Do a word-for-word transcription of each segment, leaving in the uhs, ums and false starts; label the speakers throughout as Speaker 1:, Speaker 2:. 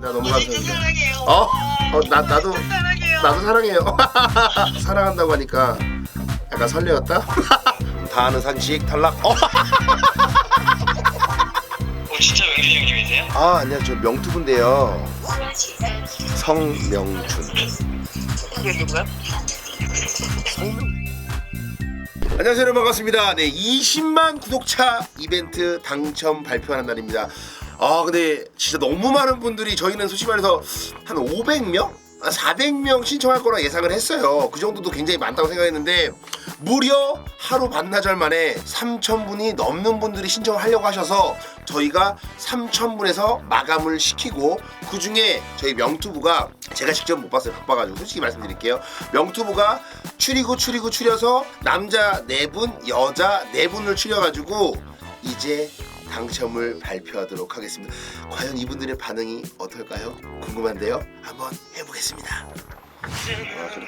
Speaker 1: 감사합니다. 너무
Speaker 2: 어, 진짜
Speaker 1: 감사합니다.
Speaker 2: 사랑해요.
Speaker 1: 어?
Speaker 2: 오빠.
Speaker 1: 어, 나 나도
Speaker 2: 진짜 사랑해요.
Speaker 1: 나도 사랑해요. 사랑한다고 하니까 약간 설레었다. 다 아는 산식 탈락. 어?
Speaker 2: 어, 진짜 명준이 형님이세요?
Speaker 1: 아 안녕하세요. 저 명투분데요. 성명준.
Speaker 2: 그게 누구야?
Speaker 1: 안녕하세요 여러분 반갑습니다. 네 이십만 구독자 이벤트 당첨 발표하는 날입니다. 아 근데 진짜 너무 많은 분들이 저희는 솔직히 말해서 한 오백 명? 한 사백 명 신청할 거라 예상을 했어요. 그 정도도 굉장히 많다고 생각했는데 무려 하루 반나절 만에 삼천 분이 넘는 분들이 신청을 하려고 하셔서 저희가 삼천 분에서 마감을 시키고 그 중에 저희 명투부가 제가 직접 못 봤어요. 바빠가지고 솔직히 말씀드릴게요. 명투부가 추리고 추리고 추려서 남자 네 분, 여자 네 분을 추려가지고 이제 당첨을 발표하도록 하겠습니다. 과연 이분들의 반응이 어떨까요? 궁금한데요. 한번 해보겠습니다. 아, 그래.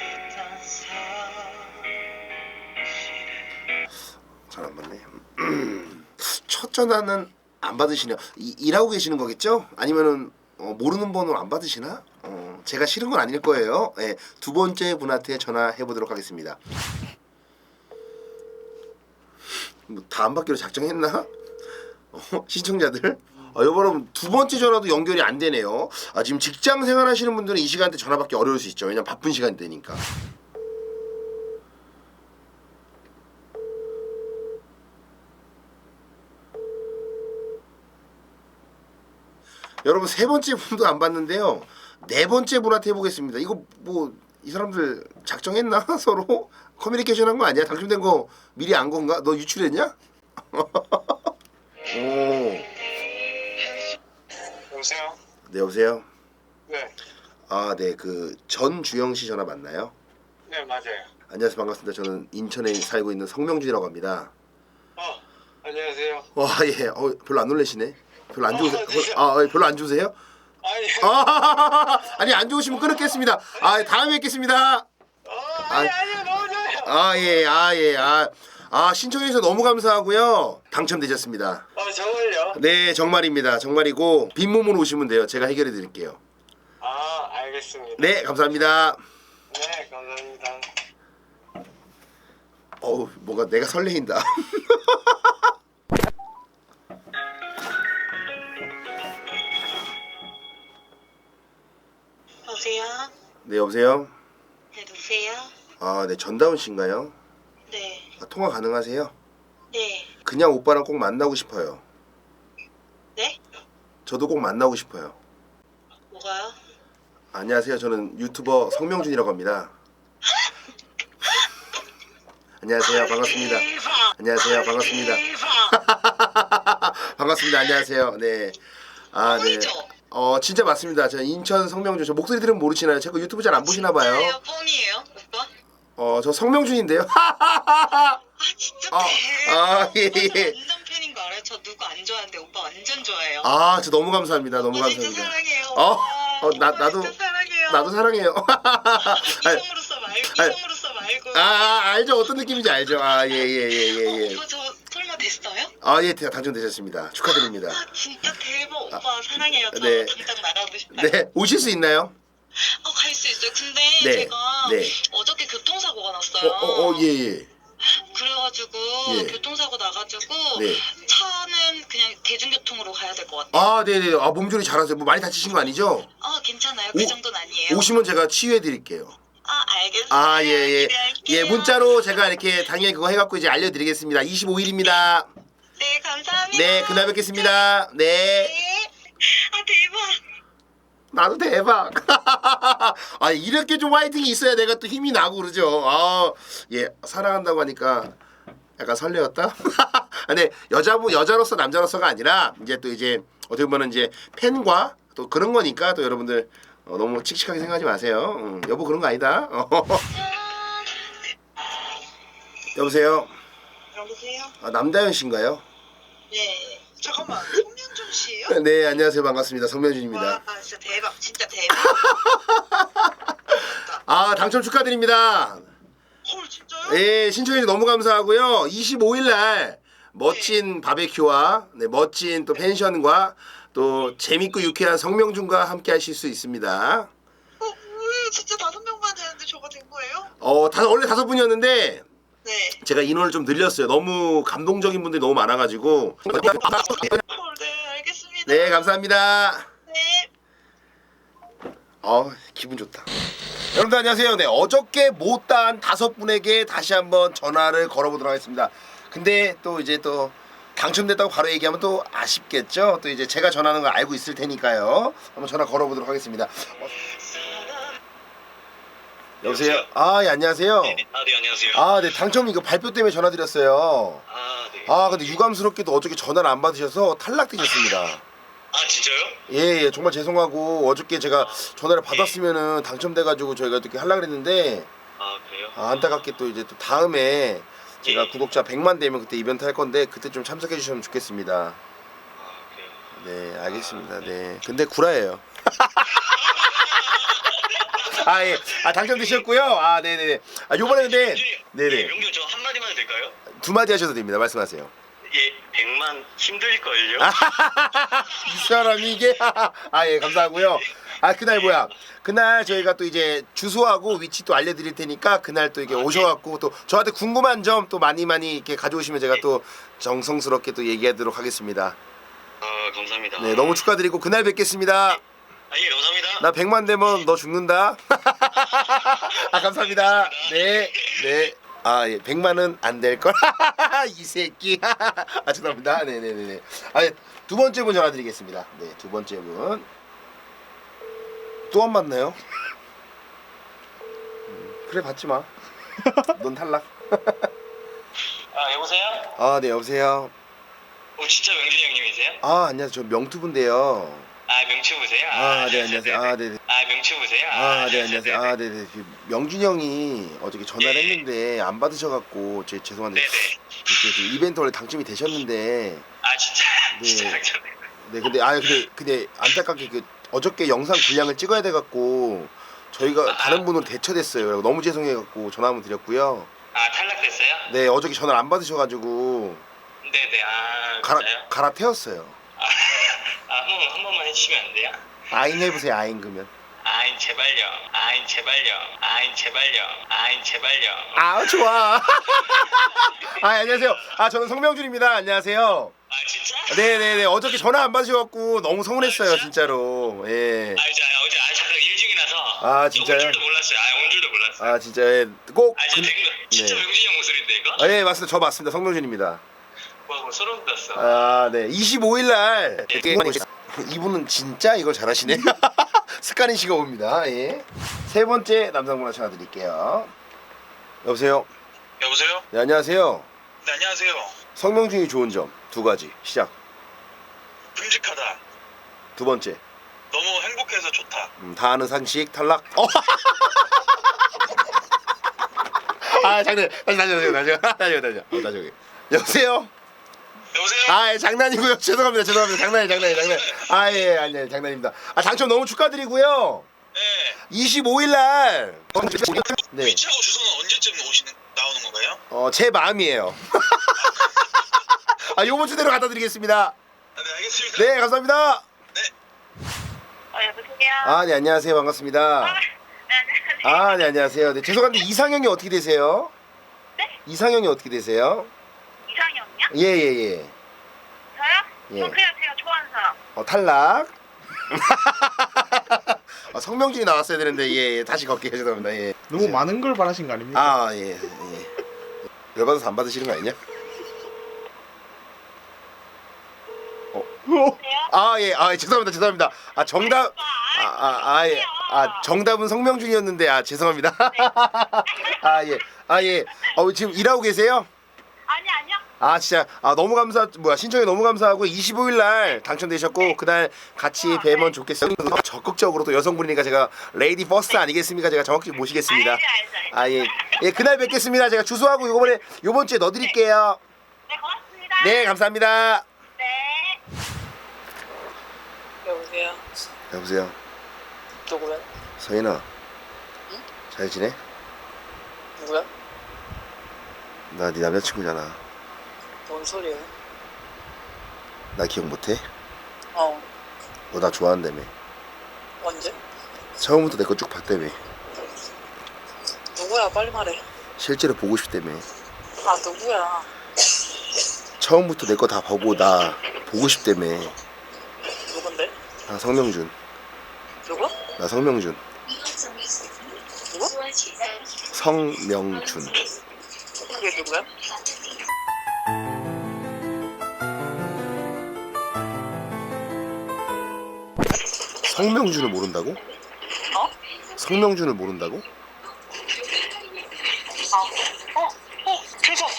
Speaker 1: 잘 안 받네. 첫 전화는 안 받으시네요. 이, 일하고 계시는 거겠죠? 아니면은 어, 모르는 번호 안 받으시나? 어, 제가 싫은 건 아닐 거예요. 네, 두 번째 분한테 전화해 보도록 하겠습니다. 뭐 다 안 받기로 작정했나? 어, 시청자들? 아, 여러분 두 번째 전화도 연결이 안 되네요. 아, 지금 직장 생활하시는 분들은 이 시간대 전화 받기 어려울 수 있죠. 왜냐면 바쁜 시간대니까. 여러분 세 번째 분도 안 받는데요. 네 번째 분한테 해보겠습니다. 이거 뭐 이 사람들 작정했나? 서로 커뮤니케이션 한 거 아니야? 당첨된 거 미리 안 건가? 너 유출했냐? 오.
Speaker 2: 여보세요?
Speaker 1: 네 여보세요.
Speaker 2: 네.
Speaker 1: 아 네 그 전주영 씨 전화 맞나요?
Speaker 2: 네, 맞아요.
Speaker 1: 안녕하세요 반갑습니다. 저는 인천에 살고 있는 성명준이라고 합니다.
Speaker 2: 어, 안녕하세요.
Speaker 1: 와 예. 어 별로 안 놀라시네. 별로 안
Speaker 2: 어,
Speaker 1: 좋으세요?
Speaker 2: 네.
Speaker 1: 아 예, 별로 안 좋으세요?
Speaker 2: 아니,
Speaker 1: 아 아니 안 좋으시면 끊겠습니다. 아 다음에 뵙겠습니다.
Speaker 2: 어, 아니, 아니, 너무 좋아요.
Speaker 1: 아 예, 아 예, 아, 아 신청해 주셔서 너무 감사하고요. 당첨되셨습니다.
Speaker 2: 어, 정말요?
Speaker 1: 네, 정말입니다. 정말이고 빈몸으로 오시면 돼요. 제가 해결해 드릴게요.
Speaker 2: 아, 알겠습니다.
Speaker 1: 네, 감사합니다.
Speaker 2: 네, 감사합니다.
Speaker 1: 어우, 뭔가 내가 설레인다.
Speaker 2: 여보세요?
Speaker 1: 네, 여보세요.
Speaker 2: 네, 누구세요?
Speaker 1: 아, 네, 전다운 씨인가요?
Speaker 2: 네,
Speaker 1: 아, 통화 가능하세요?
Speaker 2: 네,
Speaker 1: 그냥 오빠랑 꼭 만나고 싶어요.
Speaker 2: 네?
Speaker 1: 저도 꼭 만나고 싶어요.
Speaker 2: 뭐가요?
Speaker 1: 안녕하세요. 저는 유튜버 성명준이라고 합니다. 안녕하세요. 반갑습니다.
Speaker 2: 대박!
Speaker 1: 안녕하세요. 반갑습니다.
Speaker 2: 대박!
Speaker 1: 반갑습니다. 안녕하세요. 네. 아, 네.
Speaker 2: 뻥이죠?
Speaker 1: 어, 진짜 맞습니다. 저 인천 성명준. 저 목소리 들으면 모르시나요? 제가 유튜브 잘 안 보시나 봐요.
Speaker 2: 진짜예요? 뻥이에요, 오빠?
Speaker 1: 어, 저 성명준인데요.
Speaker 2: 아, 진짜
Speaker 1: 아,
Speaker 2: 대박!
Speaker 1: 아, 예,
Speaker 2: 오빠 저
Speaker 1: 예.
Speaker 2: 완전 팬인 거 알아요? 저 누구 안 좋아하는데 오빠 완전 좋아해요.
Speaker 1: 아, 저 너무 감사합니다. 너무
Speaker 2: 오빠 진짜
Speaker 1: 감사합니다.
Speaker 2: 사랑해요.
Speaker 1: 어,
Speaker 2: 오빠.
Speaker 1: 어, 나
Speaker 2: 오빠
Speaker 1: 나도
Speaker 2: 진짜 사랑해요.
Speaker 1: 나도 사랑해요. 아니,
Speaker 2: 이성으로서 말고
Speaker 1: 아니,
Speaker 2: 이성으로서 말고.
Speaker 1: 아, 아, 알죠. 어떤 느낌인지 알죠. 아, 예, 예, 예, 예, 예.
Speaker 2: 어, 오빠 저 설마 됐어요?
Speaker 1: 아, 예, 당첨되셨습니다. 축하드립니다.
Speaker 2: 아 진짜 대박. 오빠 사랑해요. 저
Speaker 1: 네.
Speaker 2: 당장 나가고 싶어요.
Speaker 1: 네, 오실 수 있나요?
Speaker 2: 어, 갈 수 있어요. 근데
Speaker 1: 네,
Speaker 2: 제가
Speaker 1: 네.
Speaker 2: 어저께 교통사고가 났어요.
Speaker 1: 어, 어, 어, 예, 예.
Speaker 2: 그래가지고
Speaker 1: 예.
Speaker 2: 교통사고 나가지고
Speaker 1: 네.
Speaker 2: 차는 그냥 대중교통으로 가야 될 것 같아요.
Speaker 1: 아, 네, 네. 아, 몸조리 잘하세요. 뭐 많이 다치신 거 아니죠?
Speaker 2: 아 괜찮아요. 그
Speaker 1: 오-
Speaker 2: 정도는 아니에요.
Speaker 1: 오시면 제가 치유해 드릴게요.
Speaker 2: 아 알겠어요.
Speaker 1: 아, 예, 예.
Speaker 2: 기대할게요.
Speaker 1: 예, 문자로 제가 이렇게 당연히 그거 해갖고 이제 알려드리겠습니다. 이십오일입니다.
Speaker 2: 네 감사합니다.
Speaker 1: 네, 그날 뵙겠습니다. 네.
Speaker 2: 네. 아 대박.
Speaker 1: 나도 대박. 아, 이렇게 좀 화이팅이 있어야 내가 또 힘이 나고 그러죠. 아, 예, 사랑한다고 하니까 약간 설레었다. 근데 여자분 여자로서 남자로서가 아니라 이제 또 이제 어떻게 보면 이제 팬과 또 그런 거니까 또 여러분들 어, 너무 칙칙하게 생각하지 마세요. 음, 여보 그런 거 아니다. 여보세요.
Speaker 2: 여보세요?
Speaker 1: 아, 남다현 씨인가요?
Speaker 2: 네. 잠깐만. 송명준 씨예요?
Speaker 1: 네, 안녕하세요. 반갑습니다. 성명준입니다.
Speaker 2: 와, 아, 진짜 대박. 진짜 대박.
Speaker 1: 아, 당첨 축하드립니다.
Speaker 2: 헐, 진짜요?
Speaker 1: 예, 신청해 주셔서 너무 감사하고요. 이십오일 날 멋진 바베큐와 네, 멋진 또 펜션과 또 재밌고 유쾌한 성명준과 함께 하실 수 있습니다.
Speaker 2: 어, 왜 진짜 다섯 명만 되는데 저가 된 거예요?
Speaker 1: 어, 다, 원래 다섯 분이었는데
Speaker 2: 네.
Speaker 1: 제가 인원을 좀 늘렸어요. 너무 감동적인 분들이 너무 많아가지고.
Speaker 2: 어, 네, 알겠습니다.
Speaker 1: 네, 감사합니다.
Speaker 2: 네.
Speaker 1: 어, 기분 좋다. 여러분들 안녕하세요. 네, 어저께 못다한 다섯 분에게 다시 한번 전화를 걸어보도록 하겠습니다. 근데 또 이제 또 당첨됐다고 바로 얘기하면 또 아쉽겠죠. 또 이제 제가 전화하는 걸 알고 있을 테니까요. 한번 전화 걸어보도록 하겠습니다. 어. 여보세요. 아, 예, 안녕하세요.
Speaker 3: 네, 아, 네, 안녕하세요.
Speaker 1: 아, 네, 당첨 이거 발표 때문에 전화드렸어요.
Speaker 3: 아, 네.
Speaker 1: 아, 근데 유감스럽게도 어저께 전화를 안 받으셔서 탈락되셨습니다.
Speaker 3: 아, 진짜요?
Speaker 1: 예, 예, 정말 죄송하고 어저께 제가 전화를 받았으면은 당첨돼가지고 저희가 이렇게 하려고 했는데
Speaker 3: 아, 그래요?
Speaker 1: 아, 안타깝게 또 이제 또 다음에 제가
Speaker 3: 예.
Speaker 1: 구독자 백만 되면 그때 이벤트 할 건데 그때 좀 참석해 주시면 좋겠습니다.
Speaker 3: 아, 그래요?
Speaker 1: 네, 알겠습니다. 네, 근데 구라예요. 아, 예, 아 당첨되셨고요. 아, 네네. 아, 요번에 근데
Speaker 3: 네,
Speaker 1: 네네
Speaker 3: 명준 저 한마디만 해도 될까요?
Speaker 1: 두 마디 하셔도 됩니다. 말씀하세요.
Speaker 3: 예, 백만 힘들걸요?
Speaker 1: 이 사람이 이게 아, 예, 감사하고요. 아, 그날 뭐야? 그날 저희가 또 이제 주소하고 위치 또 알려드릴 테니까 그날 또 이게 오셔갖고 또 저한테 궁금한 점 또 많이 많이 이렇게 가져오시면 제가 또 정성스럽게 또 얘기하도록 하겠습니다.
Speaker 3: 아, 감사합니다.
Speaker 1: 네, 너무 축하드리고 그날 뵙겠습니다.
Speaker 3: 아, 예, 감사합니다.
Speaker 1: 나 백만 되면 너 죽는다. 아, 감사합니다. 네, 네. 아, 예, 백만은 안 될 걸. 이 새끼. 아, 죄송합니다. 네, 네, 네, 네. 아, 예, 두 번째 분 전화드리겠습니다. 네, 두 번째 분. 또 안 받나요? 음, 그래, 받지 마. 넌 탈락.
Speaker 3: 아, 여보세요?
Speaker 1: 아, 네, 여보세요.
Speaker 3: 어, 진짜 명준이 형님이세요?
Speaker 1: 아, 안녕하세요. 저 명투분데요.
Speaker 3: 아, 명추부세요?
Speaker 1: 아, 네, 안녕하세요. 아, 네, 네.
Speaker 3: 아, 명추부세요?
Speaker 1: 아, 네, 안녕하세요. 아, 네, 네. 명준이 형이 어저께 전화를
Speaker 3: 예.
Speaker 1: 했는데 안 받으셔갖고 제 죄송한데
Speaker 3: 네네.
Speaker 1: 이렇게 좀 이벤트 원래 당첨이 되셨는데
Speaker 3: 아, 진짜,
Speaker 1: 네.
Speaker 3: 진짜 당첨.
Speaker 1: 네, 근데 아, 근데 근데 안타깝게 그 어저께 영상 분량을 찍어야 돼갖고 저희가 다른 분으로 대처됐어요. 너무 죄송해갖고 전화 한번 드렸고요.
Speaker 3: 아, 탈락됐어요?
Speaker 1: 네, 어저께 전화를 안 받으셔가지고
Speaker 3: 네네, 아,
Speaker 1: 갈아
Speaker 3: 진짜요?
Speaker 1: 갈아태웠어요.
Speaker 3: 아, 아, 한 번만, 한 번만 해주시면 안 돼요?
Speaker 1: 아인 해보세요, 아인 그러면.
Speaker 3: 아인 제발요. 아인 제발요. 아인 제발요. 아인 제발요.
Speaker 1: 아, 좋아. 아, 안녕하세요. 아, 저는 성명준입니다. 안녕하세요.
Speaker 3: 아, 진짜?
Speaker 1: 네네네, 어저께 전화 안 받으셔갖고 너무 서운했어요, 진짜로. 예.
Speaker 3: 아, 이제 아, 어제 아 잠깐 일 중이라서.
Speaker 1: 아, 진짜요?
Speaker 3: 온 줄도 몰랐어요. 아, 온 줄도 몰랐어요.
Speaker 1: 아, 진짜 예. 꼭.
Speaker 3: 아, 진짜
Speaker 1: 근-
Speaker 3: 백- 진짜
Speaker 1: 네.
Speaker 3: 명진이 형 목소리인데 이거?
Speaker 1: 아, 예, 맞습니다. 저 맞습니다. 성명준입니다.
Speaker 3: 와, 뭐 소름 돋았어.
Speaker 1: 아, 네. 이십오일 날 이분은 진짜 이걸 잘하시네. 스카린 씨가 옵니다. 예. 세 번째 남성분과 전화 드릴게요. 여보세요.
Speaker 3: 여보세요?
Speaker 1: 네, 안녕하세요.
Speaker 3: 네, 안녕하세요.
Speaker 1: 성명준이 좋은 점 두 가지. 시작.
Speaker 3: 듬직하다.
Speaker 1: 두 번째.
Speaker 3: 너무 행복해서 좋다.
Speaker 1: 음, 다 아는 상식 탈락. 어. 아, 장난. 다시 다시 다시 다시 다시 다시 어, 다시. 여보세요.
Speaker 3: 여보세요?
Speaker 1: 아, 예, 장난이고요. 죄송합니다. 죄송합니다. 장난이 장난이 장난. 아, 예, 아니, 아니, 장난입니다. 아, 당첨 너무 축하드리고요.
Speaker 3: 네.
Speaker 1: 이십오일 날. 네.
Speaker 3: 위치하고 주소는 언제쯤 오시는 나오는 건가요?
Speaker 1: 어, 제 마음이에요. 아, 요번 주대로 갖다 드리겠습니다.
Speaker 3: 아, 네, 알겠습니다.
Speaker 1: 네, 감사합니다.
Speaker 2: 어, 여보세요?
Speaker 1: 아, 네, 안녕하세요. 반갑습니다.
Speaker 2: 네, 안녕하세요.
Speaker 1: 아, 네, 안녕하세요. 네, 죄송한데 이상형이 어떻게 되세요?
Speaker 2: 네?
Speaker 1: 이상형이 어떻게 되세요?
Speaker 2: 이상형이요?
Speaker 1: 예, 예, 예.
Speaker 2: 저요?
Speaker 1: 예.
Speaker 2: 저 그냥 제가 좋아하는 사람.
Speaker 1: 어, 탈락. 아, 성명준이 나왔어야 되는데 예, 예. 다시 걸게요. 죄송합니다. 예.
Speaker 4: 너무
Speaker 1: 이제-
Speaker 4: 많은 걸 바라신 거 아닙니까?
Speaker 1: 아, 예, 예. 열받아서 안 받으시는 거 아니냐?
Speaker 4: 어?
Speaker 1: 아, 예, 아, 예, 죄송합니다, 죄송합니다. 아, 정답, 아, 아, 아, 예, 아, 정답은 성명준이었는데, 아, 죄송합니다. 아, 예, 아, 예, 어, 지금 일하고 계세요?
Speaker 2: 아니, 아니요.
Speaker 1: 아, 진짜, 아, 너무 감사, 뭐야, 신청이 너무 감사하고, 이십오일 날 당첨되셨고, 그날 같이 뵈면 좋겠어요. 적극적으로 또 여성분이니까 제가 레이디 퍼스트 아니겠습니까? 제가 정확히 모시겠습니다.
Speaker 2: 알죠, 알죠, 알죠.
Speaker 1: 아, 예, 예, 그날 뵙겠습니다. 제가 주소하고 요번에, 요번 주에 넣어드릴게요.
Speaker 2: 네, 고맙습니다.
Speaker 1: 네, 감사합니다.
Speaker 2: 네.
Speaker 5: 여보세요?
Speaker 1: 여보세요,
Speaker 5: 누구야?
Speaker 1: 서인아. 잘 지내?
Speaker 5: 누구야?
Speaker 1: 나 네 남자친구잖아.
Speaker 5: 뭔 소리야?
Speaker 1: 나 기억 못해?
Speaker 5: 어.
Speaker 1: 너 나 좋아한다며.
Speaker 5: 언제?
Speaker 1: 처음부터 내 거 쭉 봤다며.
Speaker 5: 누구야? 빨리 말해.
Speaker 1: 실제로 보고 싶다며.
Speaker 5: 아 누구야?
Speaker 1: 처음부터 내 거 다 보고 나 보고 싶다며.
Speaker 5: 누군데?
Speaker 1: 나 성명준.
Speaker 5: 누구?
Speaker 1: 나 성명준.
Speaker 5: 누구?
Speaker 1: 성명준.
Speaker 5: 그게 누구야?
Speaker 1: 성명준을 모른다고?
Speaker 5: 어?
Speaker 1: 성명준을 모른다고?
Speaker 5: 아, 어, 어, 대박.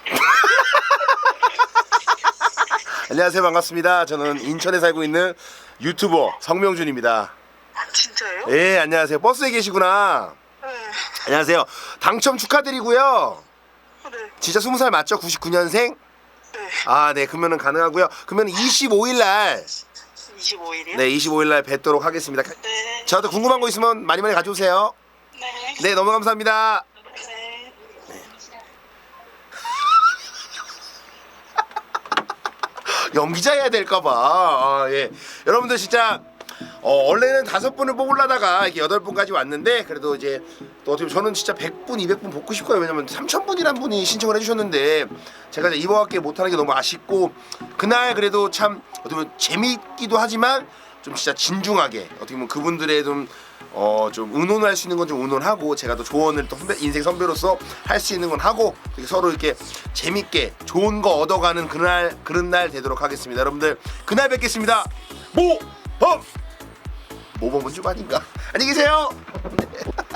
Speaker 1: 안녕하세요, 반갑습니다. 저는 인천에 살고 있는 유튜버 성명준입니다.
Speaker 5: 아 진짜예요?
Speaker 1: 예, 안녕하세요. 버스에 계시구나.
Speaker 5: 네.
Speaker 1: 안녕하세요. 당첨 축하드리고요.
Speaker 5: 네.
Speaker 1: 진짜 스무 살 맞죠? 구십구 년생?
Speaker 5: 네.
Speaker 1: 아, 네. 그러면은 가능하고요. 그러면 이십오 일 날,
Speaker 5: 이십오 일이요?
Speaker 1: 네, 이십오 일 날 뵙도록 하겠습니다.
Speaker 5: 네.
Speaker 1: 저한테 궁금한 거 있으면 많이 많이 가져오세요.
Speaker 5: 네.
Speaker 1: 네, 너무 감사합니다.
Speaker 5: 네.
Speaker 1: 연기자 해야 될까봐. 아, 예. 여러분들 진짜 어, 원래는 다섯 분을 뽑으려다가 이렇게 여덟 분까지 왔는데 그래도 이제 또 어떻게 보면 저는 진짜 백 분, 이백 분 뽑고 싶어요. 왜냐면 삼천 분이란 분이 신청을 해주셨는데 제가 이제 이번학기에 못하는 게 너무 아쉽고 그날 그래도 참 어떻게 보면 재미있기도 하지만 좀 진짜 진중하게 어떻게 보면 그분들의 좀 어 좀 의논할 수 있는 건 좀 의논하고 제가 또 조언을 또 선배, 인생 선배로서 할 수 있는 건 하고 이렇게 서로 이렇게 재밌게 좋은 거 얻어가는 그날 그런 날 되도록 하겠습니다. 여러분들 그날 뵙겠습니다. 모범 모범은 좀 아닌가? 안녕히 계세요.